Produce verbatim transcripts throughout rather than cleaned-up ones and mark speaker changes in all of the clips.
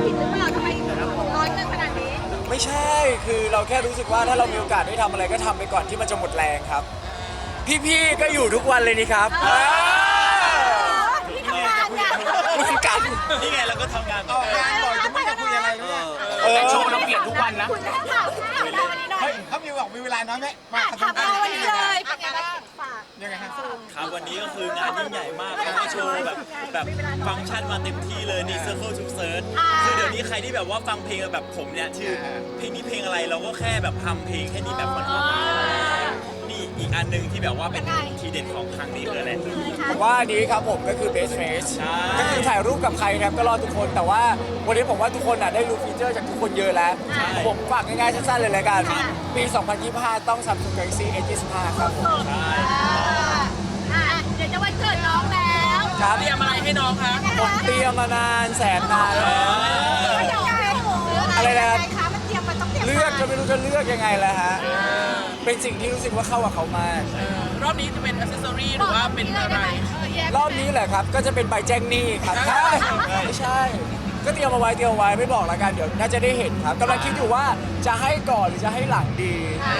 Speaker 1: ผิดหรือเปล่าทำไมร้อนเงินขนาดนี้
Speaker 2: ไม่ใช่คือเราแค่รู้สึกว่าถ้าเรามีโอกาสได้ทำอะไรก็ทำไปก่อนที่มันจะหมดแรงครับพี่ๆก็อยู่ทุกวันเลยนี่ครับ
Speaker 1: ที่ทำงานเนี่ย
Speaker 2: เหมือนกัน
Speaker 3: นี่ไงเราก็ทำงาน
Speaker 4: ออกงานบ่อยจะไม่จะคุยอะไรเนี่ย
Speaker 2: แต่โชว์เราเปลี่ยนทุกวันนะ
Speaker 1: คุณแม่ข่าวข่าวเราวันนี้หน่อย
Speaker 4: เฮ้ยเขามีบอกมีเวลาน้อยไหมมา
Speaker 1: ถามเราวันนี้เลยเป็นไงบ้างฝาก
Speaker 4: ยังไงฮะ
Speaker 3: ครับวันนี้ก็คืองานยิ่งใหญ่มากแล้วก็โชว์แบบแบบฟังก์ชันมาเต็มที่เลยนี่ Circle to Search คือเดี๋ยวนี้ใครที่แบบว่าฟังเพลงแบบผมเนี่ยชื่อเพลงนี้เพลงอะไรเราก็แค่แบบทำเพลงแค่นี้แบบมันนี่อีกอันหนึงที่แบบว่าเป็นทีเด็ดของครั้งนี้คืออะไร
Speaker 2: ผมว่าอันนี้ครับผมก็คือ best face
Speaker 3: ใช่
Speaker 2: ก็คือถ่ายรูปกับใครนะครับก็รอทุกคนแต่ว่าวันนี้ผมว่าทุกคนอ่ะได้รู้ฟีเจอร์จากทุกคนเยอะแล้วผมฝากง่ายๆสั้นๆเลยละกันปี สองพันยี่สิบห้า ต้อง Samsung Galaxy เอ ยี่สิบห้า ครับผม
Speaker 3: ใช่
Speaker 1: อ่าเดี๋ยวจะวันเกิดน้องแล้ว
Speaker 2: ครับ
Speaker 5: เตรียมอะไรให้น้องคะ
Speaker 2: ผมเตรียมมานานแสนนานแล้ว
Speaker 1: อะไรนะครับมันเตรียมมันต้องเตรียม
Speaker 2: เลือกก็ไม่รู้จะเลือกยังไงแล้วฮะเป็นสิ่งที่รู้สึกว่าเข้ากับเขามาก
Speaker 5: รอบนี้จะเป็นอ c เซสซอรี่หรือว่าเป็นอะไร
Speaker 2: รอบนี้แหละครับก็จะเป็นใบแจ้งหนี้ครับใช่ไม่ใช่ ก็เตรียมเอาไว้เตรียมเอาไว้ไม่บอกแล้วกันเดี๋ยวน่าจะได้เห็นครับกำลังคิดอยู่ว่าจะให้ก่อนหรือจะให้หลังดี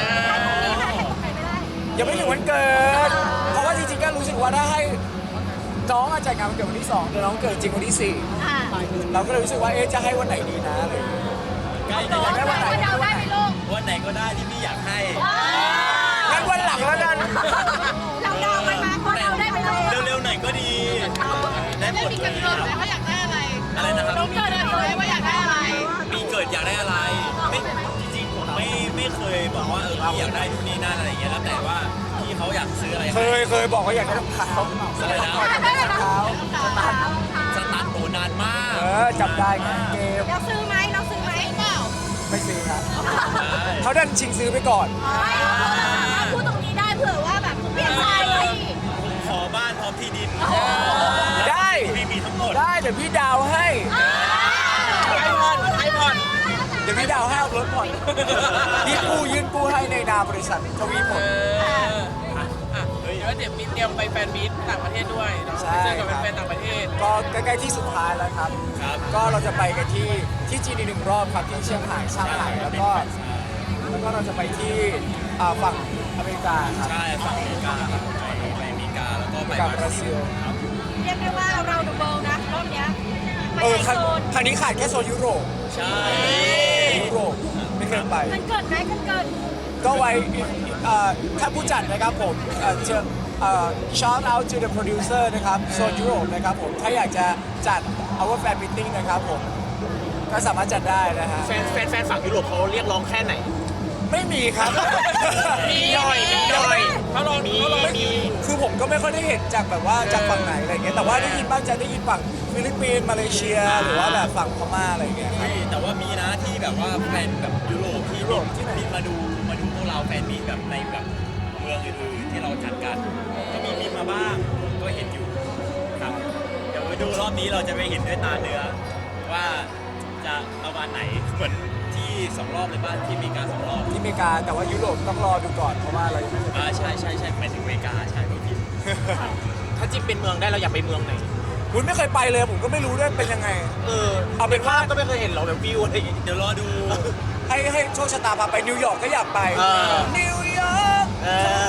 Speaker 2: ยังไม่ถึงวันเกิดเพราะว่าจริงๆก็รู้สึกว่าถ้าให้น้องอาจารย์งานวันเกิดวันที่สองแต่น้องเกิดจริงวันที่สี่เราก็เลยรู้สึกว่าเอ๊ะจะให้วันไหนดีนะอะไรอย่างเงี้ย
Speaker 3: ใกล้
Speaker 1: น้
Speaker 3: จะ
Speaker 1: อง
Speaker 3: ได้
Speaker 1: ได้
Speaker 3: วันไหน
Speaker 1: ว่าเดาได้ไหมลูก
Speaker 3: วันไหนก็ได้ที่พี่อยากให้
Speaker 2: งั้นวันหลังแล้วกัน
Speaker 1: เราเดาไปมาพอเดาได้ไหมลูก
Speaker 3: เร็วๆหน่อยก็ดีได้หมดเลยครับ
Speaker 1: ว่าอยากได้อะไร
Speaker 3: อะไรนะครับ
Speaker 1: น้องเกิดอะไรว่าอยากได้อะไร
Speaker 3: ปีเกิดอยากได้อะไรไม่จริงๆผมไม่ไม่เคยบอกว่าเออพี่อยากได้นู่นนี่นั่นอะไรอย่างเงี้ยแล้วแต่ว่าพี่เขาอยากซื้ออะไร
Speaker 2: เคยเคยบอกว่าอยากได้รองเท้า
Speaker 3: อะไรนะ
Speaker 2: อยากได้รองเท้า
Speaker 3: สตาร์ทโอนานมาก
Speaker 2: เออจำได้ไงเกม
Speaker 1: เราซื้อไหมเราซื้อไหมเปล่า
Speaker 2: ไม่ซื้อครับเขาดันชิงซื้อไปก่อน
Speaker 1: พูดตรงนี้ได้เผื่อว่าแบบเปลี่ยนใจ
Speaker 3: ขอบ้านพร้อมที่ดิน
Speaker 2: ได้
Speaker 3: พี่มีทั้งหมด
Speaker 2: ได้เดี๋ยวพี่ดาวให้
Speaker 5: ไอพอนไอพอน
Speaker 2: เดี๋ยวพี่ดาวให้เอารถผ่อนพี่กู้ยื่นกู้ให้ในนามบริษัททวีผล
Speaker 5: อ่ะเดี๋ยวเดี๋ยวมีเตรียมไปแฟนมีตต่างประเทศด้วยเนาะ
Speaker 2: ใช่
Speaker 5: เจอกับ
Speaker 2: ครับ
Speaker 5: แฟนๆต่างประเทศ
Speaker 2: ก็ใกล้ๆที่สุดท้ายแล้วครับ
Speaker 3: ครับ
Speaker 2: ก็เราจะไปกันที่ที่จีนอีกหนึ่งรอบครับที่เชียงรายช่างหายแล้วก็แล้วก็เราจะไปที่อ่าฝั่งอเมริกาครับ
Speaker 3: ใช่ฝั่งอเมริกาครับไปไปอเมริกาแล้วก็ไป
Speaker 2: กับบราซิล
Speaker 3: ครับ
Speaker 1: เรียกได้ว่าเราดูเบิลนะรอบเนี้ยไป
Speaker 2: เออ
Speaker 1: ไอ
Speaker 2: ครั้ง
Speaker 1: โซน
Speaker 2: ครั้งนี้ขาดแค่โซนยุโรป
Speaker 3: ใช่
Speaker 2: ยุโรปไม่เคยไป
Speaker 1: มันเกิดไหมมันเกิด
Speaker 2: ก็ไว้เอ่อถ้าผู้จัดนะครับผมเอ่อเชิญเอ่อ shout out to the producer นะครับโซนยุโรปนะครับผมถ้าอยากจะจัด our fan meeting นะครับผมก็สามารถจัดได้นะฮะ
Speaker 5: แฟนแฟนแฟนฝั่งยุโรปเขาเรียกร้องแค่ไหน
Speaker 2: ไม่มีครับ
Speaker 5: มีหน่อยมีหน่อยเขาลองมีมี
Speaker 2: คือผมก็ไม่ค่อยได้เห็นจากแบบว่าจากฝั่งไหนอะไรเงี้ยแต่ว่าได้ยินบ้างจะได้ยินฝั่งฟิลิปปินส์มาเลเซีย หรือว่าแบบฝั่งพม่าอะไรเงี้ยครับ
Speaker 3: เฮ้ยแต่ว่ามีนะที่แบบว่าแฟนแบบยุโรปที่ยุโรปที่บินมาดูมาดูพวกเราแฟนมีตแบบในแบบเมืองอื่นๆที่เราจัดกันก็มีบินมาบ้างก็เห็นอยู่ครับเดี๋ยวไปดูรอบนี้เราจะไปเห็นด้วยตาเนื้อว่าจะประมาณไหนเหมือนที่สองรอบเลยป่ะที่อเมริกาสองรอบ
Speaker 2: ที่อเมริกาแต่ว่ายุโรปต้องรอดูก่อนเพราะว่าเรายังไม่เคยไป
Speaker 3: อ่าใช่ใช่ใช่ไปถึงอเมริกาใช่ไม่ผิด
Speaker 5: ถ้าจิ๊บเป็นเมืองได้เราอยากไปเมืองไหน
Speaker 2: คุณไม่เคยไปเลยผมก็ไม่รู้ด้วยเป็นยังไง
Speaker 5: เออ
Speaker 2: เอาเป็นว่า
Speaker 5: ก็ไม่เคยเห็นหรอกแบบวิวอะไรอย่างงี้
Speaker 3: เดี๋ยวรอดู
Speaker 2: ให้ให้โชคชะตาพาไปนิวยอร์กก็อยากไป
Speaker 5: เออ
Speaker 2: นิวยอร์ก
Speaker 5: เออ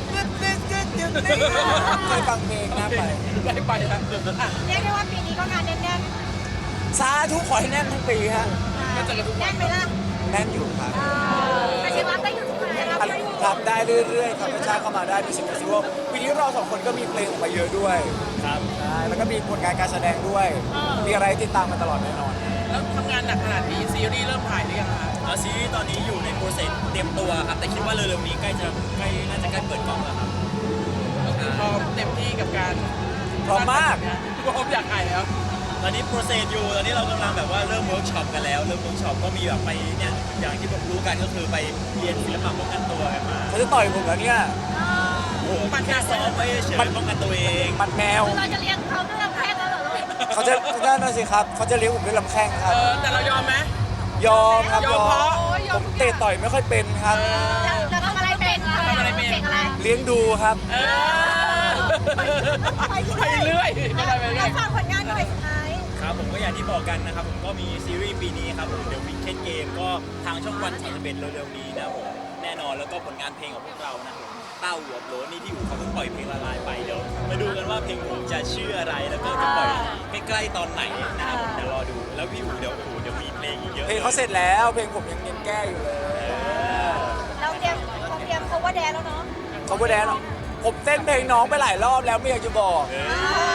Speaker 2: เคยฟังเพลงนะไป
Speaker 5: ได้ไปแล้วอ่ะ
Speaker 1: เรียกได้ว่าปีนี้ก็งานแน่น
Speaker 2: สาธุขอให้แน่นทั้งปีฮะ
Speaker 1: ๆ
Speaker 5: ก็เจอกันทุกวั
Speaker 1: แน่
Speaker 5: น
Speaker 1: นไหมล่ะ
Speaker 2: แน่นอยู่ครับ
Speaker 1: แต่ยังรับได้อยู่ใช่ไหมรับได้อยู่
Speaker 2: ทำได้เรื่อยๆครับประชาเข้ามาได้มีสิบเฟสติวัลปีนี้เราสองคนก็มีเพลงออกมาเยอะด้วย
Speaker 3: ครับ
Speaker 2: ใช่แล้วก็มีผลงานการแสดงด้วย มีอะไรติดตามมาตลอดแน่นอน
Speaker 5: แล้วทำงานหนักขนาดนี้ซีรีส์เริ่มถ่ายหรือยังคะ
Speaker 3: แล้วซีรีส์ตอนนี้อยู่ในโปรเซสเตรียมตัวครับแต่คิดว่าเร็วๆนี้ใกล้จะใกล้น่าจะใกล้เปิดกล้องแล้วครับ
Speaker 5: ก็คือพร้อมเต็มที่กับการ
Speaker 2: พร้อมมาก
Speaker 5: พร้อมอยากถ่ายแล้ว
Speaker 3: ตอนนี้โปรเซสอยู่ตอนนี้เรากำลังแบบว่าเริ่มเวิร์กช็อปกันแล้วเริ่มเวิร์กช็อปก็มีแบบไปเนี่ยอย่างที่ผมรู้กันก็คือไปเรียนศิลปะป้องกันตัวกันมา
Speaker 2: เขาจะต่อยผมแล้วเนี่ย
Speaker 3: โอ้โหมันแค่ซ้อมไว้เฉยๆป้องกันตัวเอง
Speaker 2: ปัดแมว
Speaker 1: เราจะเลี้ยงเขาด้วยลำแข้งแล้วเหรอลูก
Speaker 2: เขาจะนั่นน่ะสิครับ เขาจะเลี้ยงผมด้วยลำแข้งค
Speaker 5: เอ
Speaker 2: รับ
Speaker 5: อแต่เรายอมไหม
Speaker 2: ยอมครับ
Speaker 5: ยอมเพราะ
Speaker 2: ผมเตะต่อยไม่ค่อยเป็นครับ
Speaker 1: แล้วทำอะไรเป็น
Speaker 5: ทำอะไรเป็น
Speaker 1: เก่งอะไร
Speaker 2: เลี้ยงดูครับ
Speaker 5: เออไปเรื่อยไปเรื่อย
Speaker 1: เราฝากผลงานหน่อยสุดท้าย
Speaker 3: ครับผมก็อย่างที่บอกกันนะครับผมก็มีซีรีส์ปีนี้ครับผมเดี๋ยววิกเก็ตเกมก็ทางช่องวันสามสิบเอ็ดเร็วๆนี้นะครับผมแน่นอนแล้วก็ผลงานเพลงของพวกเรานะครับเต้าหัวโหลนี่ที่อู๋เขาเพิ่งปล่อยเพลงละลายไปเดี๋ยวมาดูกันว่าเพลงอู๋จะชื่ออะไรแล้วก็จะปล่อยใกล้ๆตอนไหนนะครับผมเดี๋ยวรอดูแล้วพี่อู๋เดี๋ยวอู๋เดี๋ยวมีเพลงอีกเยอะ
Speaker 2: เพลงเขาเสร็จแล้วเพลงผมยังยังแก้อยู่เลย
Speaker 1: เราเตรียมเราเตรียม cover dance แล้วเนาะ
Speaker 2: เขาพูดแดนผมเต้นเพลงน้องไปหลายรอบแล้วไม่อยากจะบอก
Speaker 3: เออ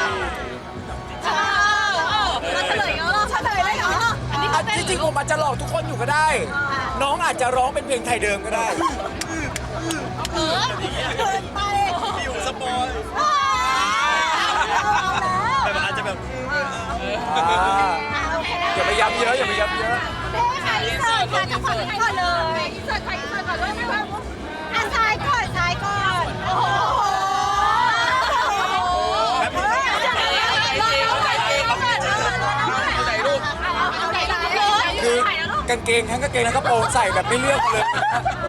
Speaker 1: มาเฉลยเหรอเฉลยเลยเหรออันนี้
Speaker 2: อ่ะจริงๆผมอาจจะหลอกทุกคนอยู่ก็ได้ น้องอาจจะร้องเป็นเพลงไทยเดิมก็ได้
Speaker 1: เออเกินไป
Speaker 3: พี่อู๋สปอย
Speaker 1: เอาแล้ว
Speaker 3: แบบอาจจะแบบ
Speaker 2: อ่า
Speaker 1: โอเค
Speaker 2: อย่าไปย้ำเยอะอย่าไปย้ำเยอะ
Speaker 1: เฮ้ยค่ะอินเสิร์ตค่ะจะขออินก่อนเลยอินเสิร์ตค่ะอินเสิร์ตก่อนเลยไม่ว่าอ่ะซ้ายก่อนซ้ายก่อนโอ้โห
Speaker 3: แบบนี้
Speaker 5: ถ่ายรูป
Speaker 1: เอาไหนเลย
Speaker 2: คือกางเกงทั้งกางเกงและกระโปรงใส่แบบไม่เลือกเลย